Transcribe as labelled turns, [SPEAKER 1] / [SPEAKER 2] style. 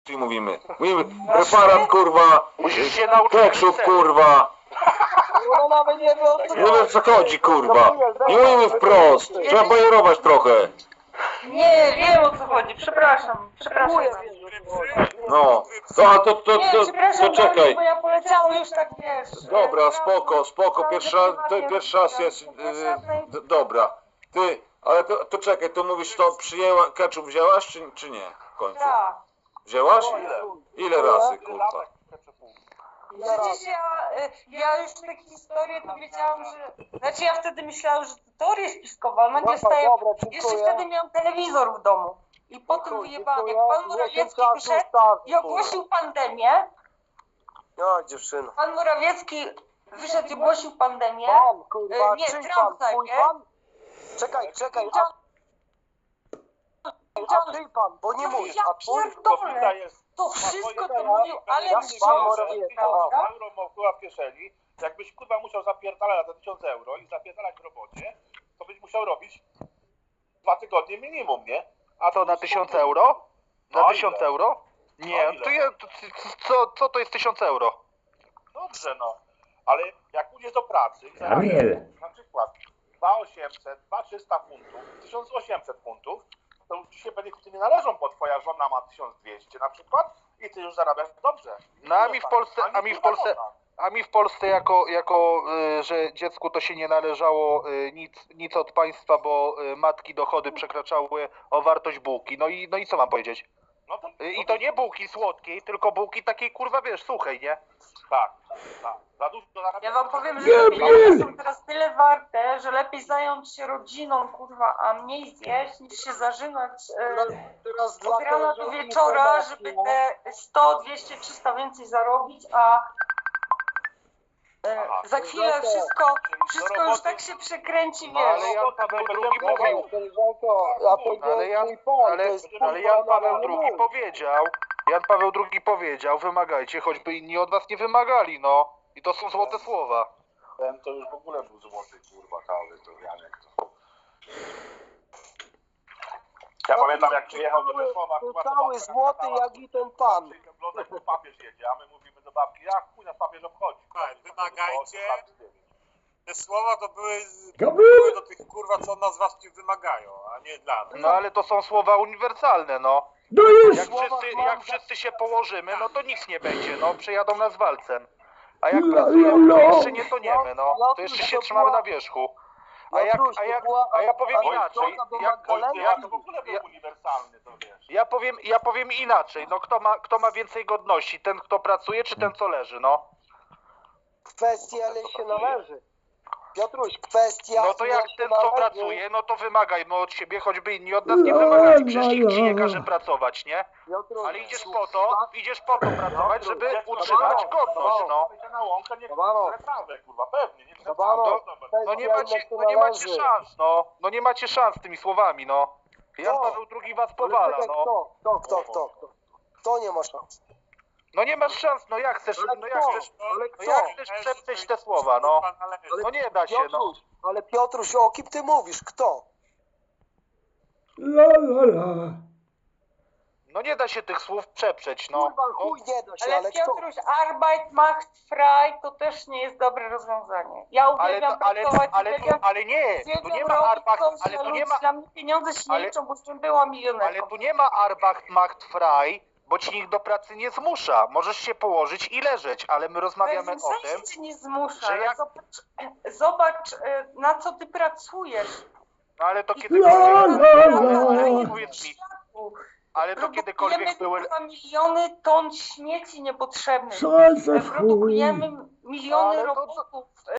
[SPEAKER 1] mówimy. Mówimy preparat, kurwa,
[SPEAKER 2] Musisz się nauczyć.
[SPEAKER 1] ketchup, kurwa.
[SPEAKER 3] No nawet nie wie o co
[SPEAKER 1] Nie wiem, co chodzi, kurwa. Nie mówimy wprost. Trzeba bajerować trochę.
[SPEAKER 4] Nie, wiem o co chodzi, przepraszam.
[SPEAKER 1] No. To czekaj.
[SPEAKER 4] Bo ja poleciałam już tak, wiesz.
[SPEAKER 1] Dobra, spoko. Pierwszy raz jest. Dobra. Ty, ale to czekaj, to mówisz, to przyjęła, ketchup wzięłaś, czy nie? W końcu.
[SPEAKER 4] Tak.
[SPEAKER 1] Wzięłaś? Ile razy, kurwa?
[SPEAKER 4] Przecież ja już takie historie to wiedziałam, że... Znaczy ja wtedy myślałam, że to teoria spiskowa, ale nagle staje... Jeszcze wtedy miałam telewizor w domu. I potem wyjebałam, jak pan Morawiecki wyszedł i ogłosił pandemię.
[SPEAKER 3] No dziewczyno.
[SPEAKER 4] Pan Morawiecki wyszedł i ogłosił pandemię.
[SPEAKER 3] Pan, kurwa,
[SPEAKER 4] Nie,
[SPEAKER 3] czyj
[SPEAKER 4] Trump
[SPEAKER 3] pan? Twój
[SPEAKER 4] najpierw.
[SPEAKER 3] pan? Czekaj, a ty pan, bo nie mówisz, a twój?
[SPEAKER 4] Pierdolę, to wszystko to mówił Alek Wrząski, prawda?
[SPEAKER 2] Euro mokuła w kieszeni. Jakbyś kurwa musiał zapierdalać za 1000 euro i zapierdalać w robocie, to byś musiał robić 2 tygodnie minimum, nie? A
[SPEAKER 5] To na 1000 euro? Na
[SPEAKER 2] No
[SPEAKER 5] 1000
[SPEAKER 2] ile?
[SPEAKER 5] euro? Nie,
[SPEAKER 2] No ile?
[SPEAKER 5] to ja, co to jest 1000 euro?
[SPEAKER 2] Dobrze, no. Ale jak pójdziesz do pracy i
[SPEAKER 6] Gabriel.
[SPEAKER 2] na przykład 2800, 2300 funtów, 1800 funtów, to już ci się benefity nie należą, bo twoja żona ma 1200 na przykład i ty już zarabiasz dobrze.
[SPEAKER 5] No a mi w Polsce, że dziecku to się nie należało nic od państwa, bo matki dochody przekraczały o wartość bułki. No i co mam powiedzieć? I to nie bułki słodkiej, tylko bułki takiej, kurwa, wiesz, suchej, nie?
[SPEAKER 2] Tak. Za dużo zarabiasz.
[SPEAKER 4] Ja wam powiem, że te pieniądze są teraz tyle warte, że lepiej zająć się rodziną, kurwa, a mniej zjeść, niż się zażynać
[SPEAKER 3] Teraz
[SPEAKER 4] od rana do
[SPEAKER 3] koleżanki
[SPEAKER 4] wieczora,
[SPEAKER 3] informacji,
[SPEAKER 4] żeby
[SPEAKER 3] no.
[SPEAKER 4] te 100, 200, 300 więcej zarobić, a za chwilę wszystko już tak się przekręci,
[SPEAKER 5] No ale
[SPEAKER 4] wiesz.
[SPEAKER 5] Jan Paweł II mówił,
[SPEAKER 3] Koleżanko, a to
[SPEAKER 5] ale
[SPEAKER 3] nie mój pan, to jest
[SPEAKER 5] ale Jan Paweł II powiedział, wymagajcie, choćby inni od was nie wymagali, no. I to są złote słowa.
[SPEAKER 2] Ten to już w ogóle był złoty, kurwa, kawy, to Janek to. Ja pamiętam jak przyjechał do Rzeszowa,
[SPEAKER 3] To cały złoty jak i ten pan.
[SPEAKER 2] Papież jedzie, a my mówimy do babki, jak chuj nas papież obchodzi.
[SPEAKER 7] Tak, wymagajcie. Te słowa to były
[SPEAKER 6] Gabriel!
[SPEAKER 7] do tych kurwa, co od nas was nie wymagają, a nie dla nas.
[SPEAKER 5] No ale to są słowa uniwersalne, no.
[SPEAKER 6] No już!
[SPEAKER 5] Jak wszyscy się położymy, no to nic nie będzie, no. Przejadą nas walcem. A jak
[SPEAKER 6] La,
[SPEAKER 5] pracujemy,
[SPEAKER 6] la,
[SPEAKER 5] to
[SPEAKER 6] la.
[SPEAKER 5] jeszcze nie toniemy, no. To jeszcze się trzymamy na wierzchu. A ja powiem inaczej.
[SPEAKER 2] Ja to w ogóle był uniwersalny, to wiesz.
[SPEAKER 5] Ja powiem inaczej. No kto ma więcej godności? Ten, kto pracuje, czy ten, co leży, no?
[SPEAKER 3] Kwestia, ale się należy. Piotruś, kwestia...
[SPEAKER 5] No to jak
[SPEAKER 3] się
[SPEAKER 5] ten, co
[SPEAKER 3] należy.
[SPEAKER 5] pracuje, no to wymagajmy od siebie, choćby inni od nas nie wymagali. Przecież nikt ci nie każe pracować, nie?
[SPEAKER 3] Piotruś,
[SPEAKER 5] Ale idziesz po to pracować, żeby utrzymać godność, no.
[SPEAKER 2] Na łąkę nie
[SPEAKER 3] Dobra.
[SPEAKER 2] trawę, kurwa, pewnie. Nie
[SPEAKER 3] Dobra.
[SPEAKER 5] No nie macie szans, no. No nie macie szans tymi słowami, no. Jan
[SPEAKER 3] No.
[SPEAKER 5] Paweł II was powala,
[SPEAKER 3] Ale czekaj,
[SPEAKER 5] no.
[SPEAKER 3] Kto nie ma szans?
[SPEAKER 5] No nie masz szans, no jak chcesz przeprzeć te słowa, no. No nie da się, no.
[SPEAKER 3] Piotruś, ale Piotruś, o kim ty mówisz? Kto?
[SPEAKER 6] La la la.
[SPEAKER 5] No nie da się tych słów przeprzeć, no.
[SPEAKER 3] Kurwa, chuj nie da się,
[SPEAKER 4] Ale
[SPEAKER 3] ale kto?
[SPEAKER 4] Piotruś, Arbeit macht frei to też nie jest dobre rozwiązanie. Ja uwielbiam pracować,
[SPEAKER 5] ale nie, tu nie ma
[SPEAKER 4] dla mnie pieniądze się nie
[SPEAKER 5] ale-
[SPEAKER 4] liczą, bo już była milionerką.
[SPEAKER 5] ale tu nie ma Arbeit macht frei, bo ci nikt do pracy nie zmusza. Możesz się położyć i leżeć, ale my rozmawiamy
[SPEAKER 4] W
[SPEAKER 5] o
[SPEAKER 4] sensie
[SPEAKER 5] tym,
[SPEAKER 4] cię nie zmusza,
[SPEAKER 5] że
[SPEAKER 4] ale
[SPEAKER 5] jak-
[SPEAKER 4] zobacz, na co ty pracujesz.
[SPEAKER 5] no ale to
[SPEAKER 6] La
[SPEAKER 5] kiedykolwiek,
[SPEAKER 6] la la.
[SPEAKER 5] powiedz mi, ale to kiedykolwiek były...
[SPEAKER 4] Produkujemy miliony ton śmieci niepotrzebnych.
[SPEAKER 6] Co za chuj?
[SPEAKER 4] Produkujemy miliony
[SPEAKER 5] Ale to-
[SPEAKER 4] robotów.